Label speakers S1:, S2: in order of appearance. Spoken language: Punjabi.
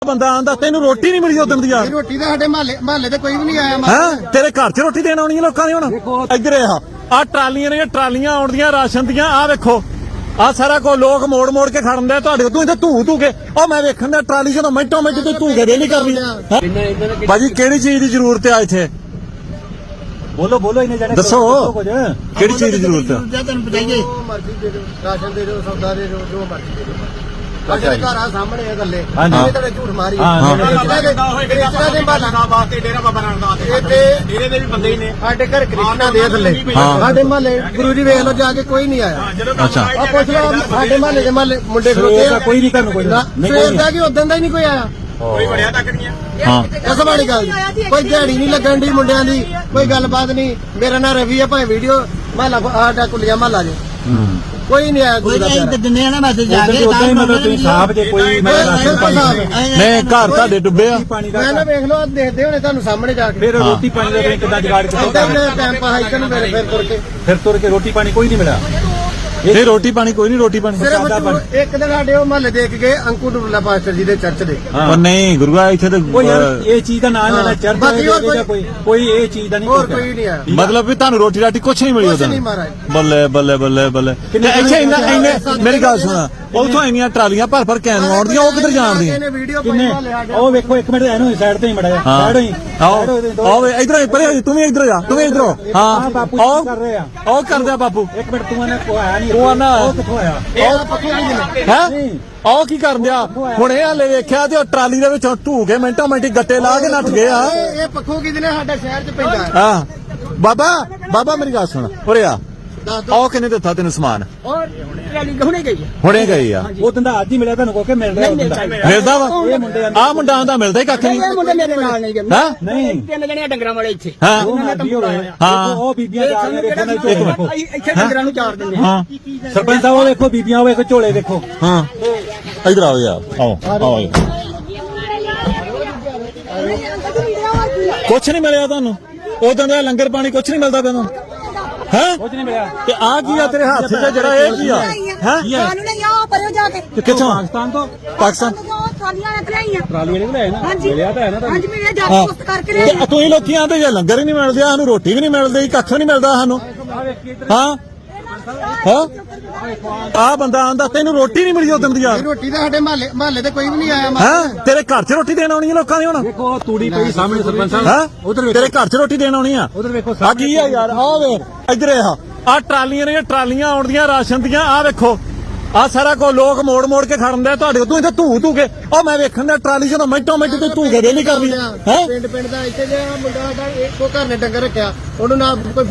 S1: ਬੰਦਾ ਆਂਦਾ ਤੈਨੂੰ ਰੋਟੀ ਨਹੀਂ ਮਿਲੀ ਉਦੋਂ ਦੀ ਆ
S2: ਰੋਟੀ ਤਾਂ ਸਾਡੇ ਮਹੱਲੇ ਤੇ ਕੋਈ ਵੀ ਨਹੀਂ ਆਇਆ
S1: ਹੈ ਤੇਰੇ ਘਰ 'ਚ ਰੋਟੀ ਦੇਣ ਆਉਣੀ ਹੈ ਲੋਕਾਂ ਦੀ ਹੁਣ ਇੱਧਰ ਆ ਟਰਾਲੀਆਂ ਨੇ ਟਰਾਲੀਆਂ ਆਉਂਦੀਆਂ ਰਾਸ਼ਨ ਦੀਆਂ ਆ ਵੇਖੋ ਆ ਸਾਰਾ ਕੋ ਲੋਕ ਮੋੜ ਮੋੜ ਕੇ ਖੜਨਦੇ ਤੁਹਾਡੇ ਤੂੰ ਇੱਥੇ ਧੂ ਕੇ ਉਹ ਮੈਂ ਵੇਖਣ ਦਾ ਟਰਾਲੀ ਜਦੋਂ ਮਿੰਟੋ ਮਿੰਟ ਤੇ ਧੂ ਕੇ ਦੇ ਨਹੀਂ ਕਰਨੀ ਭਾਜੀ ਕਿਹੜੀ ਚੀਜ਼ ਦੀ ਜ਼ਰੂਰਤ ਆ ਇੱਥੇ ਬੋਲੋ ਇਹਨੇ ਜਾਣੇ ਦੱਸੋ ਕਿਹੜੀ ਚੀਜ਼ ਦੀ ਜ਼ਰੂਰਤ ਆ
S2: ਤੈਨੂੰ ਬਤਾਈਏ ਮਰਜ਼ੀ ਦੇ ਦਿਓ ਰਾਸ਼ਨ ਦੇ ਦਿਓ ਸੌਦਾ ਦੇ ਦਿਓ ਜੋ ਮਰਜ਼ੀ ਦੇ ਦਿਓ ਸਾਡੇ ਘਰ ਆ ਸਾਹਮਣੇ ਆ ਗੱਲੇ ਇਹ ਤਾਂ ਝੂਠ ਮਾਰੀ ਕ੍ਰਿਸ਼ਨਾ ਦੇ ਮਹੱਲਾ ਵਾਸਤੇ ਡੇਰਾ ਬਾਬਾ ਨਾਨਕ ਦਾ ਡੇਰੇ ਦੇ ਵੀ ਬੰਦੇ ਹੀ ਨੇ ਸਾਡੇ ਘਰ ਕ੍ਰਿਸ਼ਨਾ ਦੇ ਥੱਲੇ ਸਾਡੇ ਮਹੱਲੇ ਗੁਰੂ ਜੀ ਵੇਖ ਲਓ ਜਾ ਕੇ ਕੋਈ ਨਹੀਂ ਆਇਆ
S1: ਅੱਛਾ
S2: ਆ ਪੁੱਛ ਲਓ ਸਾਡੇ ਮਹੱਲੇ ਦੇ ਮੁੰਡੇ ਖਲੋਤੇ ਆ
S1: ਕੋਈ ਨਹੀਂ ਤੁਹਾਨੂੰ ਕੋਈ
S2: ਸਵੇਰ ਦਾ ਕਿ ਉਦੋਂ ਦਾ ਹੀ ਨਹੀਂ ਕੋਈ ਆਇਆ
S3: ਕੋਈ ਵੜਿਆ ਤੱਕ ਨਹੀਂ ਆ
S1: ਹਾਂ
S2: ਇਸ ਵਾਲੀ ਗੱਲ ਕੋਈ ਦਿਹਾੜੀ ਨਹੀਂ ਲੱਗਣ ਦੀ ਮੁੰਡਿਆਂ ਦੀ ਕੋਈ ਗੱਲਬਾਤ ਨਹੀਂ ਮੇਰਾ ਨਾਂ ਰਵੀ ਆ ਭਾਵੇਂ ਵੀਡੀਓ ਮਹੱਲਾ ਸਾਡਾ ਕੁਲੀਆ ਮਹੱਲਾ ਜੇ ਕੋਈ ਨਹੀਂ ਆਇਆ ਕੋਈ
S4: ਦਿੰਦੇ ਆ ਨਾ ਮੈਸੇਜ ਜਾ ਕੇ
S1: ਮਤਲਬ ਤੁਸੀਂ ਸਾਹਬ ਜੇ ਕੋਈ ਨਹੀਂ ਘਰ ਤੁਹਾਡੇ ਡੁੱਬੇ ਆ
S2: ਮੈਂ ਨਾ ਵੇਖ ਲਓ ਦੇਖਦੇ ਹੋਣੇ ਤੁਹਾਨੂੰ ਸਾਹਮਣੇ ਜਾ ਕੇ
S1: ਫਿਰ ਰੋਟੀ ਪਾਣੀ ਦਾ ਕਿੱਦਾਂ ਜੁਗਾੜ
S2: ਟਾਈਮ ਪਾਸ ਕਰਨ
S1: ਫਿਰ ਤੁਰ ਕੇ ਰੋਟੀ ਪਾਣੀ ਕੋਈ ਨਹੀਂ ਮਿਲਿਆ ਇਹ ਰੋਟੀ ਪਾਣੀ ਕੋਈ ਨਹੀਂ ਰੋਟੀ ਪਾਣੀ
S2: ਸਿਰਫ ਇੱਕ ਦਿਨ ਸਾਡੇ ਉਹ ਮਹੱਲੇ ਦੇਖ ਗਏ ਅੰਕੂ ਡੁੱਲਾ ਪਾਸਟਰ ਜੀ ਦੇ ਚਰਚ ਦੇ
S1: ਪਰ ਨਹੀਂ ਗੁਰੂਆ ਇੱਥੇ ਤਾਂ
S5: ਇਹ ਚੀਜ਼ ਦਾ ਨਾਮ ਲੈਣਾ ਚਰਚ ਕੋਈ ਇਹ ਚੀਜ਼ ਦਾ ਨਹੀਂ
S2: ਹੋਰ ਕੋਈ ਨਹੀਂ ਆਇਆ
S1: ਮਤਲਬ ਵੀ ਤੁਹਾਨੂੰ ਰੋਟੀ ਰਾਟੀ ਕੁਛ ਨਹੀਂ ਮਿਲੀ
S2: ਕੁਛ
S1: ਉਦੋਂ
S2: ਨਹੀਂ ਮਹਾਰਾਜ
S1: ਬੱਲੇ ਬੱਲੇ ਬੱਲੇ ਬੱਲੇ ਇੱਥੇ ਇੰਨੇ ਮੇਰੀ ਗੱਲ ਸੁਣਾ ਉਥੋਂ ਇੰਨੀਆਂ ਟਰਾਲੀਆਂ ਭਰ ਕੈਨ ਆਉਂਦੀਆਂ ਉਹ ਕਿੱਧਰ ਜਾਣਦੀਆਂ
S5: ਉਹ ਵੇਖੋ ਇੱਕ ਮਿੰਟ ਇਹਨੂੰ ਸਾਈਡ ਤੇ ਹੀ ਮੜਾ ਜਾ ਸਾਈਡ ਹੀ
S1: ਆਓ ਇਧਰ ਪਰੇ ਤੂੰ ਵੀ ਇਧਰ ਜਾ ਤੂੰ ਵੀ ਇਧਰੋਂ ਹਾਂ
S5: ਬਾਪੂ ਕਰ ਰਹੇ ਆ
S1: ਉਹ ਕਰਦਾ ਬਾਪੂ
S5: ਇੱਕ ਮਿੰਟ ਤੂੰ ਨੇ ਆਇਆ ਨਹੀਂ
S1: ਉਹ ਨਾ
S5: ਉਹ ਕਿੱਥੋਂ ਆਇਆ
S1: ਹੈ ਉਹ ਕੀ ਕਰਨ ਦਿਆ ਹੁਣ ਇਹ ਹਲੇ ਵੇਖਿਆ ਤੇ ਉਹ ਟਰਾਲੀ ਦੇ ਵਿੱਚੋਂ ਢੂ ਕੇ ਮਿੰਟੋ ਮਿੰਟੀ ਗੱਟੇ ਲਾ ਕੇ ਨੱਠ ਗਏ ਆ
S2: ਇਹ ਪੱਖੋਂ ਕਿਹਦੇ ਨੇ ਸਾਡਾ ਸ਼ਹਿਰ ਚ ਪੈਂਦਾ
S1: ਹਾਂ ਬਾਬਾ ਮੇਰੀ ਗੱਲ ਸੁਣ ਉਰੇ ਆ ਉਹ ਕਿੰਨੇ ਦਿੱਤਾ ਤੈਨੂੰ ਸਮਾਨ
S4: ਔਰ ਰੈਲੀ ਹੁਣੇ ਗਈ
S1: ਹੁਣੇ ਗਈ ਆ
S5: ਉਹ ਦਿੰਦਾ ਅੱਜ ਹੀ ਮਿਲਿਆ ਤੁਹਾਨੂੰ ਕੋ ਕੇ ਮਿਲ ਰਿਹਾ
S1: ਮਿਲਦਾ ਵਾ ਆ ਮੁੰਡਾ ਦਾ ਮਿਲਦਾ ਹੀ ਕੱਖ ਨਹੀਂ
S4: ਇਹ ਮੁੰਡੇ ਮੇਰੇ ਨਾਲ ਨਹੀਂ ਗਏ
S1: ਹਾਂ
S5: ਨਹੀਂ
S4: ਤਿੰਨ ਜਣੇ ਡੰਗਰਾਂ ਵਾਲੇ ਇੱਥੇ
S1: ਹਾਂ
S5: ਹਾਂ ਉਹ ਬੀਬੀਆਂ ਜਾ ਰਹੀਆਂ ਵੇਖੋ
S4: ਇੱਥੇ ਡੰਗਰਾਂ ਨੂੰ ਚਾਰ ਦਿੰਦੇ
S1: ਹਾਂ
S5: ਸਰਪੰਚ ਸਾਹਿਬ ਉਹ ਵੇਖੋ ਬੀਬੀਆਂ ਉਹ ਵੇਖੋ ਝੋਲੇ ਵੇਖੋ
S1: ਹਾਂ ਇਧਰ ਆਓ ਯਾਰ ਆਓ ਕੁਛ ਨਹੀਂ ਮਿਲਿਆ ਤੁਹਾਨੂੰ ਉਦੋਂ ਦਾ ਲੰਗਰ ਪਾਣੀ ਕੁਛ ਨਹੀਂ ਮਿਲਦਾ ਤੈਨੂੰ ਹੈ
S5: ਕੁਝ ਨਹੀਂ ਮਿਲਿਆ
S1: ਤੇ ਆ ਕੀ ਆ ਤੇਰੇ ਹੱਥ 'ਚ ਜਿਹੜਾ ਇਹ ਕੀ ਆ ਹੈ
S4: ਸਾਨੂੰ ਨਹੀਂ ਆ ਪਰਿਓ ਜਾ ਕੇ
S1: ਕਿੱਥੋਂ
S5: ਪਾਕਿਸਤਾਨ ਤੋਂ
S1: ਪਾਕਿਸਤਾਨ
S4: ਟਰਾਲੀਆਂ ਰੱਖ ਲਈਆਂ
S5: ਟਰਾਲੀ ਵਾਲੇ ਕੋਲ ਆਏ ਨਾ ਮਿਲਿਆ ਤਾਂ ਹੈ ਨਾ
S4: ਹਾਂਜੀ ਮੇਰੇ ਜਾ ਕੇ ਪੁਸਤ ਕਰਕੇ ਲੈ
S1: ਤੇ ਤੁਸੀਂ ਲੋਕੀ ਆਂਦੇ ਜੇ ਲੰਗਰ ਹੀ ਨਹੀਂ ਮਿਲਦੇ ਸਾਨੂੰ ਰੋਟੀ ਵੀ ਨਹੀਂ ਮਿਲਦੀ ਕੱਖ ਨਹੀਂ ਮਿਲਦਾ ਸਾਨੂੰ ਹਾਂ ਹਾਂ ਆ ਬੰਦਾ ਆਂਦਾ ਤੈਨੂੰ ਰੋਟੀ ਨਹੀਂ ਮਿਲੀ ਉਦੋਂ ਦੀ ਆ
S2: ਰੋਟੀ ਤਾਂ ਸਾਡੇ ਮਹੱਲੇ ਤੇ ਕੋਈ ਵੀ ਨਹੀਂ ਆਇਆ
S1: ਹੈ ਤੇਰੇ ਘਰ 'ਚ ਰੋਟੀ ਦੇਣ ਆਉਣੀ ਹੈ ਲੋਕਾਂ ਦੀ ਹੁਣ
S5: ਵੇਖੋ ਤੂੜੀ ਪਈ ਸਾਹਮਣੇ ਸਰਪੰਚ ਸਾਹਿਬ
S1: ਹੈ
S5: ਉਧਰ
S1: ਤੇਰੇ ਘਰ 'ਚ ਰੋਟੀ ਦੇਣ ਆਉਣੀ ਆ
S5: ਉਧਰ ਵੇਖੋ
S1: ਆ ਕੀ ਆ ਯਾਰ ਆ ਵੇਖ ਇੱਧਰ ਆ ਟਰਾਲੀਆਂ ਨੇ ਟਰਾਲੀਆਂ ਆਉਂਦੀਆਂ ਰਾਸ਼ਨ ਦੀਆਂ ਆ ਵੇਖੋ ਆ ਸਾਰਾ ਕੋ ਲੋਕ ਮੋੜ ਮੋੜ ਕੇ ਖੜਨਦੇ ਤੁਹਾਡੇ ਤੂੰ ਇੱਥੇ ਧੂ ਕੇ ਉਹ ਮੈਂ ਵੇਖਣ ਦਾ ਟਰਾਲੀ ਜਦੋਂ ਮਿੰਟੋ ਮਿੰਟ ਤੇ ਧੂ ਕੇ ਦੇ ਨਹੀਂ ਕਰਨੀ ਹੈ
S2: ਪਿੰਡ ਦਾ ਇੱਥੇ ਜਿਹੜਾ ਮੁੰਡਾ ਸਾਡਾ ਇੱਕੋ ਘਰ ਨੇ ਡੰਗਰ ਰੱਖਿਆ ਉਹਨੂੰ ਨਾ ਕੋਈ